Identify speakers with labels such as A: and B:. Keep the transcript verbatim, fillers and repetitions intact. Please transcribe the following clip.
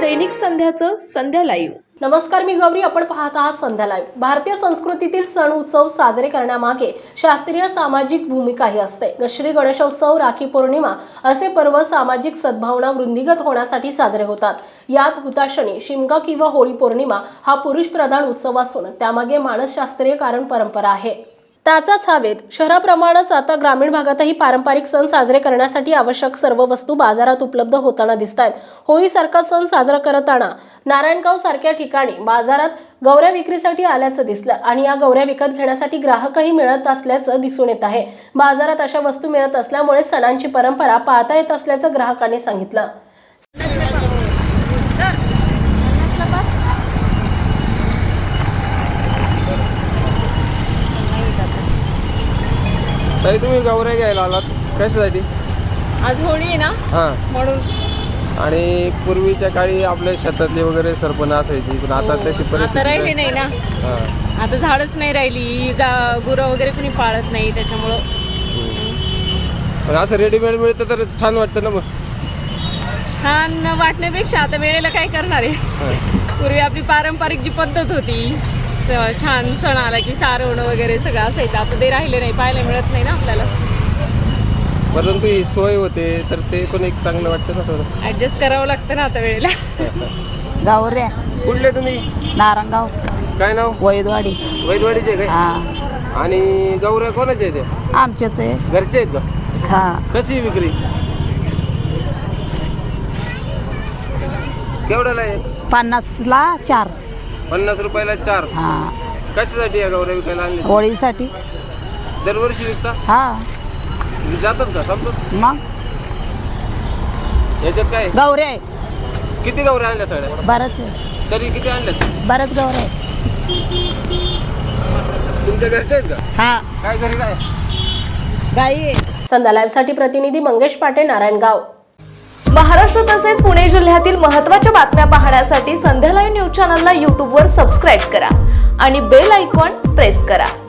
A: दैनिक संध्याचं संध्या लाईव्ह.
B: नमस्कार, मी गौरी. आपण पाहत आहात संध्या लाईव्ह. भारतीय संस्कृतीतील सण उत्सव साजरे करण्यामागे शास्त्रीय सामाजिक भूमिकाही असते. श्री गणेशोत्सव, राखी पौर्णिमा असे पर्व सामाजिक सद्भावना वृद्धिंगत होण्यासाठी साजरे होतात. यात हुताशनी, शिमगा किंवा होळी पौर्णिमा हा पुरुष प्रधान उत्सव असून त्यामागे मानसशास्त्रीय कारण परंपरा आहे. त्याचाच हा वेध. शहराप्रमाणेच आता ग्रामीण भागातही पारंपरिक सण साजरे करण्यासाठी आवश्यक सर्व वस्तू बाजारात उपलब्ध होताना दिसत आहेत. होळीसारखा सण साजरा करताना नारायणगाव सारख्या ठिकाणी बाजारात गौऱ्या विक्रीसाठी आल्याचं दिसलं आणि या गौऱ्या विकत घेण्यासाठी ग्राहकही मिळत असल्याचं दिसून येत आहे. बाजारात अशा वस्तू मिळत असल्यामुळे सणांची परंपरा पाहता येत असल्याचं ग्राहकांनी सांगितलं.
C: ताई, तुम्ही गौऱ्या घ्यायला आलात कशासाठी?
D: आज होळी आहे ना,
C: हां.
D: म्हणून.
C: आणि पूर्वीच्या काळी आपल्या शेतातली वगैरे सरपण असायची, पण आता तशी
D: आता
C: परिस्थिती
D: राहिली नाही ना.
C: हां.
D: आता झाडच नाही राहिली, गा- गुरं वगैरे कोणी पाळत नाही, त्याच्यामुळं
C: पण असं रेडीमेड मिळतं तर छान वाटतं ना. मग
D: छान वाटण्यापेक्षा आता वेळेला काय करणार आहे.
C: हां.
D: पूर्वी आपली पारंपरिक जी पद्धत होती, स- छान सण आला की सारवणं वगैरे सगळं असायचं. आता ते राहिले नाही, पाहायला मिळत नाही ना आपल्याला.
C: परंतु ही सोय होते तर ते पण एक चांगलं वाटतं ना थोडं.
D: ऍडजस्ट करावं लागतं ना आता वेळेला.
E: गौऱ्या
C: कुठले तुम्ही?
E: नारंगाव,
C: काय नाव?
E: वैदवाडी.
C: वैदवाडीचे काय?
E: हा,
C: आणि गौऱ्या कोणाचे आहेत ते?
E: आमचेच आहे.
C: घरचे आहेत का?
E: हा,
C: कशी विक्री? केवढ्याला आहे?
E: पन्नासला चार.
C: पन्नास रुपयाला चार.
E: हा,
C: कशासाठी या गौऱ्या विकायला आणली?
E: होळीसाठी.
C: दरवर्षी विकता?
E: हा,
C: जातात का संपत?
E: मग
C: याच्यात काय?
E: गौऱ्या आहे.
C: किती गौऱ्या आणल्या सगळ्या?
E: बरंच आहे,
C: तरी किती आणल्यात?
E: बरंच गौऱ्या आहे.
C: तुमच्या घरचे आहेत का?
E: हा,
C: काय घरी काय?
E: गाई आहे.
B: संध्या लाईव्हसाठी प्रतिनिधी मंगेश पाटे, नारायणगाव.
A: महाराष्ट्र तसेच पुणे जिल्ह्यातील महत्त्वाच्या बातम्या पाहण्यासाठी संध्या लाईव्ह न्यूज चॅनलला यूट्यूबवर सबस्क्राईब करा आणि बेल आयकॉन प्रेस करा.